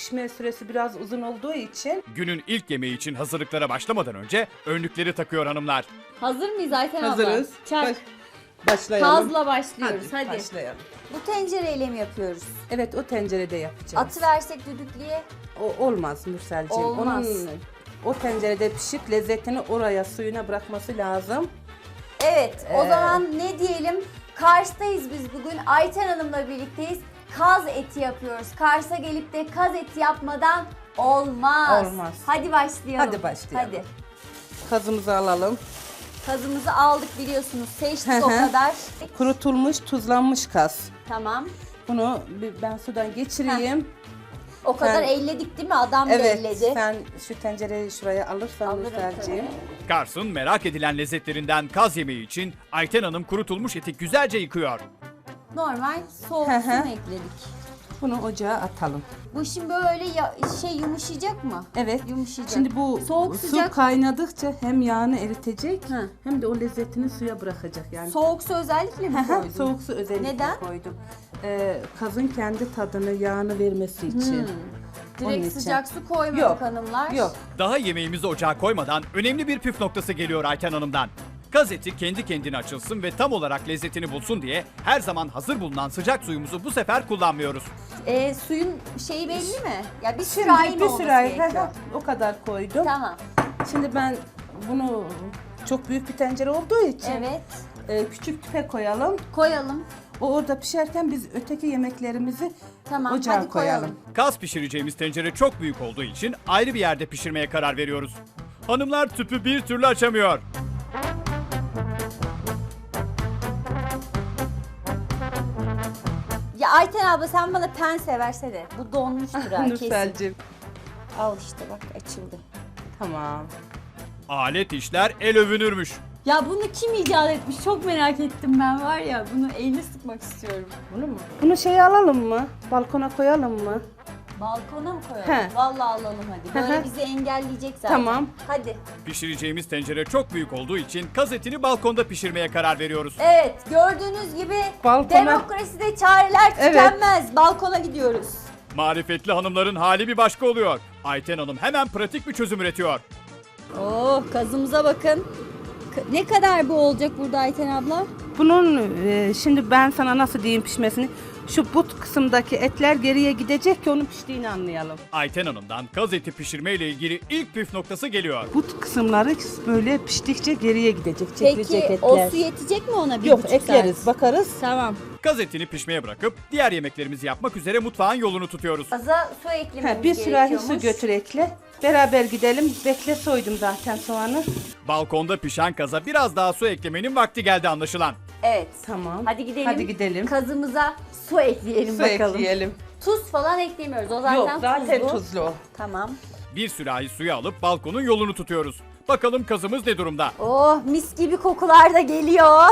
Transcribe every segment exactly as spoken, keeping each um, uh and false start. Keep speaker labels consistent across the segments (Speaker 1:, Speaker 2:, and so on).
Speaker 1: pişme süresi biraz uzun olduğu için.
Speaker 2: Günün ilk yemeği için hazırlıklara başlamadan önce önlükleri takıyor hanımlar.
Speaker 3: Hazır mıyız Ayten abla?
Speaker 1: Hazırız.
Speaker 3: Çak.
Speaker 1: Baş- başlayalım.
Speaker 3: Kazla başlıyoruz hadi.
Speaker 1: Başlayalım.
Speaker 4: Bu tencereyle mi yapıyoruz?
Speaker 1: Evet, o tencerede yapacağız.
Speaker 4: Atı versek düdüklüye.
Speaker 1: O olmaz Nurselciğim.
Speaker 4: Olmaz.
Speaker 1: Onun o tencerede pişip lezzetini oraya suyuna bırakması lazım.
Speaker 4: Evet, o
Speaker 1: Ee,
Speaker 4: zaman ne diyelim? Kars'tayız biz bugün. Ayten Hanım'la birlikteyiz. Kaz eti yapıyoruz. Kars'a gelip de kaz eti yapmadan olmaz.
Speaker 1: Olmaz.
Speaker 4: Hadi başlayalım.
Speaker 1: Hadi başlayalım.
Speaker 4: Hadi.
Speaker 1: Kazımızı alalım.
Speaker 4: Kazımızı aldık biliyorsunuz. Seçtik
Speaker 1: Hı
Speaker 4: o
Speaker 1: hı.
Speaker 4: kadar.
Speaker 1: Kurutulmuş, tuzlanmış kaz.
Speaker 4: Tamam.
Speaker 1: Bunu bir ben sudan geçireyim.
Speaker 4: O kadar
Speaker 1: Sen-
Speaker 4: elledik değil mi? Adam da
Speaker 1: Evet,
Speaker 4: elledi.
Speaker 1: sen şu tencereyi şuraya alırsan
Speaker 4: Alırım
Speaker 1: Nurselciğim.
Speaker 4: tabii.
Speaker 2: Kars'ın merak edilen lezzetlerinden kaz yemeği için Ayten Hanım kurutulmuş eti güzelce yıkıyor.
Speaker 4: Normal soğuk
Speaker 1: Hı
Speaker 4: su
Speaker 1: hı.
Speaker 4: mu ekledik?
Speaker 1: Bunu ocağa atalım.
Speaker 4: Bu şimdi böyle ya, şey yumuşayacak mı?
Speaker 1: Evet.
Speaker 4: Yumuşayacak.
Speaker 1: Şimdi bu
Speaker 4: Soğuk
Speaker 1: su
Speaker 4: sıcak.
Speaker 1: kaynadıkça hem yağını eritecek
Speaker 4: Hı.
Speaker 1: hem de o lezzetini suya bırakacak yani.
Speaker 4: Soğuk su özellikle mi koydun?
Speaker 1: Soğuk su özellikle
Speaker 4: Neden?
Speaker 1: koydum. Ee, kazın kendi tadını, yağını vermesi için. Onun
Speaker 4: Direkt
Speaker 1: için.
Speaker 4: sıcak su koymadık
Speaker 1: Yok,
Speaker 4: hanımlar.
Speaker 1: Yok.
Speaker 2: Daha yemeğimizi ocağa koymadan önemli bir püf noktası geliyor Ayten Hanım'dan. Kaz eti kendi kendine açılsın ve tam olarak lezzetini bulsun diye her zaman hazır bulunan sıcak suyumuzu bu sefer kullanmıyoruz.
Speaker 4: Ee, suyun şeyi belli mi? Ya bir
Speaker 1: Şimdi
Speaker 4: sürahi mi
Speaker 1: bir
Speaker 4: olması
Speaker 1: sürahi
Speaker 4: gerekiyor?
Speaker 1: o kadar koydum.
Speaker 4: Tamam.
Speaker 1: Şimdi ben bunu çok büyük bir tencere olduğu için
Speaker 4: Evet.
Speaker 1: e, küçük tüpe koyalım.
Speaker 4: Koyalım.
Speaker 1: O orada pişerken biz öteki yemeklerimizi
Speaker 4: Tamam.
Speaker 1: ocağa
Speaker 4: hadi koyalım.
Speaker 1: koyalım.
Speaker 2: Kaz pişireceğimiz tencere çok büyük olduğu için ayrı bir yerde pişirmeye karar veriyoruz. Hanımlar tüpü bir türlü açamıyor.
Speaker 4: Ya Ayten abla sen bana pense versene. Bu donmuştur ha kesin.
Speaker 1: Nurselciğim.
Speaker 4: Al işte bak açıldı.
Speaker 1: Tamam.
Speaker 2: Alet işler el övünürmüş.
Speaker 3: Ya bunu kim icat etmiş çok merak ettim ben var ya bunu eline sıkmak istiyorum.
Speaker 1: Bunu mu? Bunu şey alalım mı? Balkona koyalım mı?
Speaker 4: Balkona mı koyalım?
Speaker 1: He.
Speaker 4: Vallahi alalım hadi.
Speaker 1: Hı
Speaker 4: Böyle
Speaker 1: hı.
Speaker 4: bizi engelleyecek zaten.
Speaker 1: Tamam.
Speaker 4: Hadi.
Speaker 2: Pişireceğimiz tencere çok büyük olduğu için kaz etini balkonda pişirmeye karar veriyoruz.
Speaker 4: Evet gördüğünüz gibi
Speaker 1: Balkona-
Speaker 4: demokraside çareler
Speaker 1: Evet.
Speaker 4: tükenmez. Balkona gidiyoruz.
Speaker 2: Marifetli hanımların hali bir başka oluyor. Ayten Hanım hemen pratik bir çözüm üretiyor.
Speaker 3: Oh kazımıza bakın. K- Ne kadar bu olacak burada Ayten abla?
Speaker 1: Bunun e, şimdi ben sana nasıl diyeyim pişmesini. Şu but kısımdaki etler geriye gidecek ki onun piştiğini anlayalım.
Speaker 2: Ayten Hanım'dan kaz eti pişirme ile ilgili ilk püf noktası geliyor.
Speaker 1: But kısımları böyle piştikçe geriye gidecek, çekilecek
Speaker 3: Peki
Speaker 1: etler.
Speaker 3: o su yetecek mi ona bir
Speaker 1: Yok,
Speaker 3: buçuk
Speaker 1: ekleriz,
Speaker 3: saat?
Speaker 1: bakarız.
Speaker 3: Tamam.
Speaker 2: Kaz etini pişmeye bırakıp diğer yemeklerimizi yapmak üzere mutfağın yolunu tutuyoruz.
Speaker 4: Aza su eklememiz
Speaker 1: Ha, bir sürahi su
Speaker 4: gerekiyormuş.
Speaker 1: götür ekle. Beraber gidelim. Bekle, soydum zaten soğanı.
Speaker 2: Balkonda pişen kaza biraz daha su eklemenin vakti geldi anlaşılan.
Speaker 4: Evet.
Speaker 1: Tamam.
Speaker 4: Hadi gidelim.
Speaker 1: Hadi gidelim.
Speaker 4: Kazımıza su ekleyelim
Speaker 1: Su
Speaker 4: bakalım.
Speaker 1: ekleyelim.
Speaker 4: Tuz falan eklemiyoruz. O zaten
Speaker 1: Yok, zaten
Speaker 4: tuzlu.
Speaker 1: tuzlu o.
Speaker 4: Tamam.
Speaker 2: Bir sürahi suyu alıp balkonun yolunu tutuyoruz. Bakalım kazımız ne durumda?
Speaker 4: Oh mis gibi kokular da geliyor.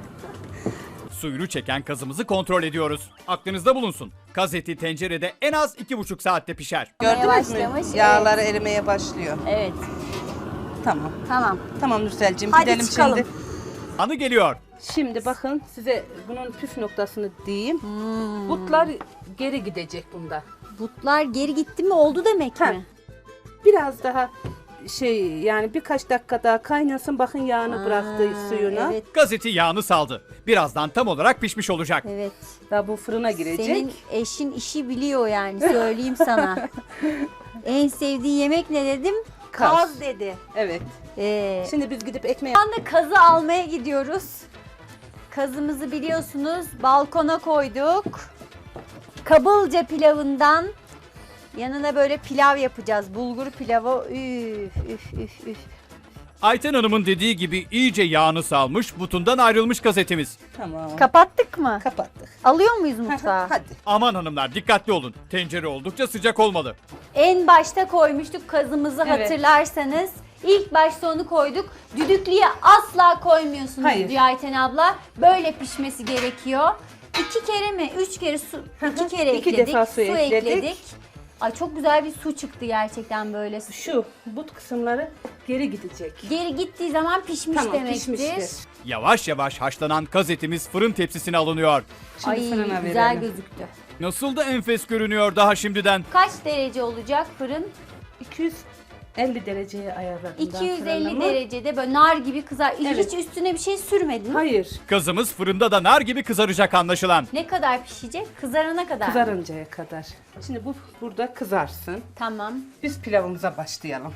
Speaker 2: Suyunu çeken kazımızı kontrol ediyoruz. Aklınızda bulunsun. Kaz eti tencerede en az iki buçuk saatte pişer.
Speaker 1: Gördünüz
Speaker 4: başlamış,
Speaker 1: mü? Yağları erimeye başlıyor.
Speaker 4: Evet.
Speaker 1: Tamam.
Speaker 4: Tamam.
Speaker 1: Tamam Nurselciğim,
Speaker 4: Hadi
Speaker 1: gidelim
Speaker 4: çıkalım.
Speaker 1: şimdi.
Speaker 2: Anı geliyor.
Speaker 1: Şimdi bakın size bunun püf noktasını diyeyim. Butlar geri gidecek bunda.
Speaker 4: Butlar geri gitti mi oldu demek
Speaker 1: Ha.
Speaker 4: mi?
Speaker 1: Biraz daha şey yani birkaç dakika daha kaynasın, bakın yağını bıraktı suyuna.
Speaker 4: Evet.
Speaker 2: Kaz eti yağını saldı. Birazdan tam olarak pişmiş olacak.
Speaker 4: Evet.
Speaker 1: Daha bu fırına girecek.
Speaker 4: Senin eşin işi biliyor yani söyleyeyim sana. En sevdiği yemek ne dedim?
Speaker 1: Kaz.
Speaker 4: Kaz dedi.
Speaker 1: Evet.
Speaker 4: Ee,
Speaker 1: Şimdi biz gidip ekmeği...
Speaker 4: Şu anda kazı almaya gidiyoruz. Kazımızı biliyorsunuz balkona koyduk. Kabılca pilavından yanına böyle pilav yapacağız. Bulgur pilavı. Üf üf üf üf.
Speaker 2: Ayten Hanım'ın dediği gibi iyice yağını salmış, butundan ayrılmış kaz etimiz.
Speaker 1: Tamam.
Speaker 4: Kapattık mı?
Speaker 1: Kapattık.
Speaker 4: Alıyor muyuz mutfağa?
Speaker 1: Hadi.
Speaker 2: Aman hanımlar dikkatli olun. Tencere oldukça sıcak olmalı.
Speaker 4: En başta koymuştuk kazımızı
Speaker 1: Evet.
Speaker 4: hatırlarsanız. İlk başta onu koyduk. Düdüklüye asla koymuyorsunuz
Speaker 1: Hayır.
Speaker 4: diyor Ayten abla. Böyle pişmesi gerekiyor. İki kere mi? Üç kere su, iki kere
Speaker 1: İki
Speaker 4: ekledik.
Speaker 1: defa su ekledik.
Speaker 4: Ay çok güzel bir su çıktı gerçekten böyle.
Speaker 1: Şu but kısımları geri gidecek.
Speaker 4: Geri gittiği zaman pişmiş
Speaker 1: Tamam,
Speaker 4: demektir.
Speaker 1: pişmiştir.
Speaker 2: Yavaş yavaş haşlanan kaz etimiz fırın tepsisine alınıyor.
Speaker 1: Şimdi
Speaker 4: Ay
Speaker 1: fırına
Speaker 4: güzel
Speaker 1: verelim.
Speaker 4: gözüktü.
Speaker 2: Nasıl da enfes görünüyor daha şimdiden.
Speaker 4: Kaç derece olacak fırın?
Speaker 1: iki yüz elli dereceye ayarladım. ben
Speaker 4: iki yüz elli
Speaker 1: fırınımı.
Speaker 4: derecede böyle nar gibi kızar.
Speaker 1: Evet.
Speaker 4: Hiç üstüne bir şey sürmedin.
Speaker 1: Hayır.
Speaker 2: Kazımız fırında da nar gibi kızaracak anlaşılan.
Speaker 4: Ne kadar pişecek? Kızarana kadar.
Speaker 1: Kızarıncaya kadar. Şimdi bu burada kızarsın.
Speaker 4: Tamam.
Speaker 1: Biz pilavımıza başlayalım.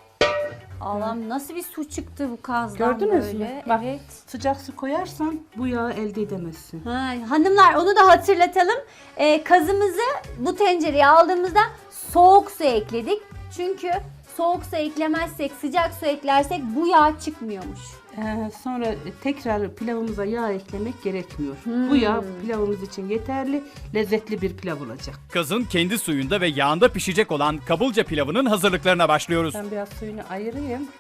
Speaker 4: Allah'ım nasıl bir su çıktı bu kazdan
Speaker 1: Gördünüz
Speaker 4: böyle.
Speaker 1: mü? Bak,
Speaker 4: Evet.
Speaker 1: sıcak su koyarsan bu yağı elde edemezsin.
Speaker 4: Ha, hanımlar onu da hatırlatalım. Ee, kazımızı bu tencereye aldığımızda soğuk su ekledik. Çünkü soğuk su eklemezsek, sıcak su eklersek bu yağ çıkmıyormuş.
Speaker 1: Ee, sonra tekrar pilavımıza yağ eklemek gerekmiyor.
Speaker 4: Hmm.
Speaker 1: Bu yağ pilavımız için yeterli, lezzetli bir pilav olacak.
Speaker 2: Kazın kendi suyunda ve yağında pişecek olan kabılca pilavının hazırlıklarına başlıyoruz.
Speaker 1: Ben biraz suyunu ayırayım.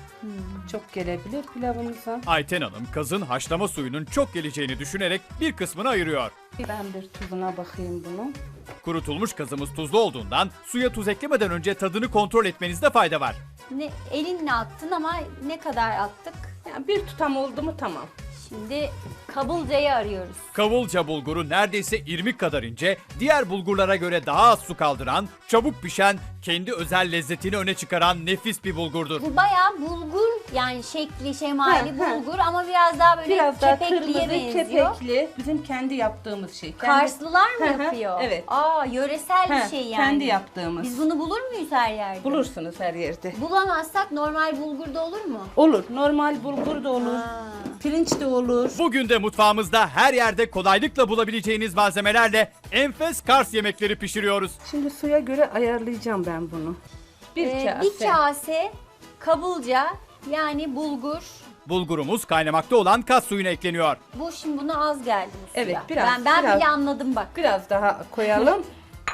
Speaker 1: Çok gelebilir pilavımıza.
Speaker 2: Ayten Hanım kazın haşlama suyunun çok geleceğini düşünerek bir kısmını ayırıyor.
Speaker 1: Ben bir tuzuna bakayım bunun.
Speaker 2: Kurutulmuş kazımız tuzlu olduğundan suya tuz eklemeden önce tadını kontrol etmenizde fayda var.
Speaker 4: Ne, elinle attın ama ne kadar attık?
Speaker 1: Yani bir tutam oldu mu tamam.
Speaker 4: Şimdi kabılcayı arıyoruz.
Speaker 2: Kavulca bulguru neredeyse irmik kadar ince, diğer bulgurlara göre daha az su kaldıran, çabuk pişen, kendi özel lezzetini öne çıkaran nefis bir bulgurdur.
Speaker 4: Bu bayağı bulgur yani şekli şemali
Speaker 1: Ha, ha.
Speaker 4: bulgur ama biraz daha böyle
Speaker 1: Biraz daha
Speaker 4: kepekliye
Speaker 1: kırmızı,
Speaker 4: benziyor.
Speaker 1: kepekli. Bizim kendi yaptığımız şey. Kendi-
Speaker 4: Karslılar mı
Speaker 1: Hı hı,
Speaker 4: yapıyor?
Speaker 1: evet.
Speaker 4: Aa yöresel
Speaker 1: Ha,
Speaker 4: bir şey yani.
Speaker 1: kendi yaptığımız.
Speaker 4: Biz bunu bulur muyuz her yerde?
Speaker 1: Bulursunuz her yerde.
Speaker 4: Bulamazsak normal bulgurda olur mu?
Speaker 1: Olur. Normal bulgur da olur.
Speaker 4: Ha.
Speaker 1: Pirinç de olur.
Speaker 2: Bugün de mutfağımızda her yerde kolaylıkla bulabileceğiniz malzemelerle enfes Kars yemekleri pişiriyoruz.
Speaker 1: Şimdi suya göre ayarlayacağım ben bunu. Bir
Speaker 4: Ee,
Speaker 1: kase.
Speaker 4: bir kase kabılca yani bulgur.
Speaker 2: Bulgurumuz kaynamakta olan kas suyuna ekleniyor.
Speaker 4: Bu şimdi buna az geldi bu suya.
Speaker 1: Evet, biraz,
Speaker 4: Ben, ben
Speaker 1: biraz.
Speaker 4: bile anladım bak.
Speaker 1: Biraz daha koyalım.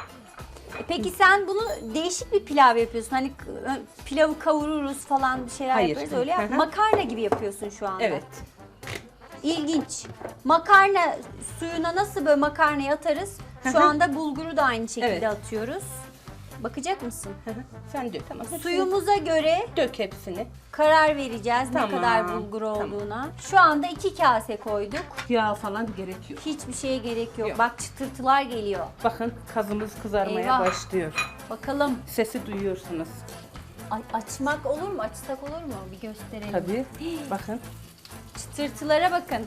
Speaker 4: E Peki sen bunu değişik bir pilav yapıyorsun. Hani k- pilavı kavururuz falan bir şeyler
Speaker 1: Hayır.
Speaker 4: yaparız öyle
Speaker 1: Hı
Speaker 4: yap.
Speaker 1: hı.
Speaker 4: Makarna gibi yapıyorsun şu anda.
Speaker 1: Evet.
Speaker 4: İlginç. Makarna suyuna nasıl böyle makarnayı atarız?
Speaker 1: Hı
Speaker 4: Şu
Speaker 1: hı.
Speaker 4: anda bulguru da aynı şekilde
Speaker 1: Evet.
Speaker 4: atıyoruz. Bakacak mısın?
Speaker 1: Sen dök. Tamam. Hepsini
Speaker 4: Suyumuza göre
Speaker 1: dök hepsini.
Speaker 4: karar vereceğiz
Speaker 1: Tamam,
Speaker 4: ne kadar bulgur
Speaker 1: tamam.
Speaker 4: olduğuna. Şu anda iki kase koyduk.
Speaker 1: Yağ falan gerekiyor.
Speaker 4: Hiçbir şeye gerek yok.
Speaker 1: Yok.
Speaker 4: Bak çıtırtılar geliyor.
Speaker 1: Bakın kazımız kızarmaya
Speaker 4: Eyvah.
Speaker 1: başlıyor.
Speaker 4: Bakalım.
Speaker 1: Sesi duyuyorsunuz.
Speaker 4: Ay, açmak olur mu? Açsak olur mu? Bir gösterelim.
Speaker 1: Tabii. Bakın.
Speaker 4: Çıtırtılara bakın.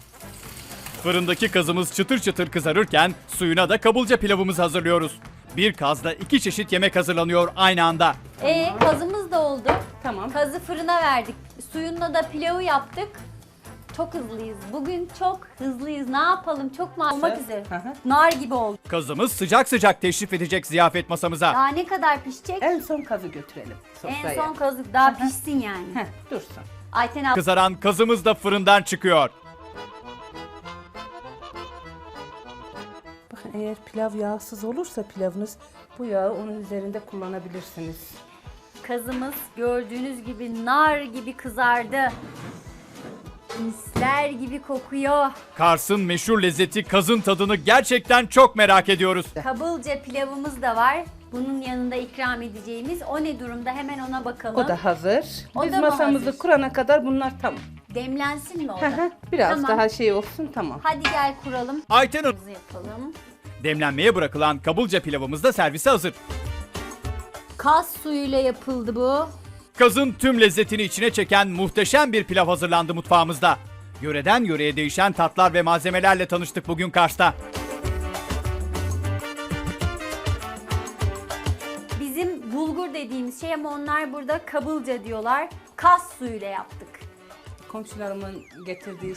Speaker 2: Fırındaki kazımız çıtır çıtır kızarırken suyuna da kabulca pilavımızı hazırlıyoruz. Bir kazda iki çeşit yemek hazırlanıyor aynı anda.
Speaker 4: E kazımız da oldu.
Speaker 1: Tamam.
Speaker 4: Kazı fırına verdik. Suyunla da pilavı yaptık. Çok hızlıyız. Bugün çok hızlıyız. Ne yapalım? Çok mu olmak üzere?
Speaker 1: Hı hı.
Speaker 4: Nar gibi oldu.
Speaker 2: Kazımız sıcak sıcak teşrif edecek ziyafet masamıza.
Speaker 4: Daha ne kadar pişecek?
Speaker 1: En son kazı götürelim sofraya.
Speaker 4: En son kazı daha pişsin yani.
Speaker 1: Heh, dursun.
Speaker 4: Ayten abla
Speaker 2: Kızaran kazımız da fırından çıkıyor.
Speaker 1: Bakın eğer pilav yağsız olursa pilavınız bu yağı onun üzerinde kullanabilirsiniz.
Speaker 4: kazımız gördüğünüz gibi nar gibi kızardı. Misler gibi kokuyor.
Speaker 2: Kars'ın meşhur lezzeti kazın tadını gerçekten çok merak ediyoruz.
Speaker 4: Kabılca pilavımız da var. Bunun yanında ikram edeceğimiz. O ne durumda? Hemen ona bakalım.
Speaker 1: O da hazır.
Speaker 4: O
Speaker 1: Biz
Speaker 4: da mı
Speaker 1: masamızı
Speaker 4: hazır?
Speaker 1: kurana kadar bunlar tamam.
Speaker 4: Demlensin mi o
Speaker 1: Hı
Speaker 4: da?
Speaker 1: hı, Biraz
Speaker 4: Tamam.
Speaker 1: daha şey olsun tamam.
Speaker 4: Hadi gel kuralım.
Speaker 2: Ayten Hanım,
Speaker 4: Hızlı yapalım.
Speaker 2: demlenmeye bırakılan kabulca pilavımız da servise hazır.
Speaker 4: Kas suyuyla yapıldı bu.
Speaker 2: Kazın tüm lezzetini içine çeken muhteşem bir pilav hazırlandı mutfağımızda. Yöreden yöreye değişen tatlar ve malzemelerle tanıştık bugün Kars'ta.
Speaker 4: Bizim bulgur dediğimiz şey ama onlar burada kabılca diyorlar. Kas suyuyla yaptık.
Speaker 1: Komşularımın getirdiği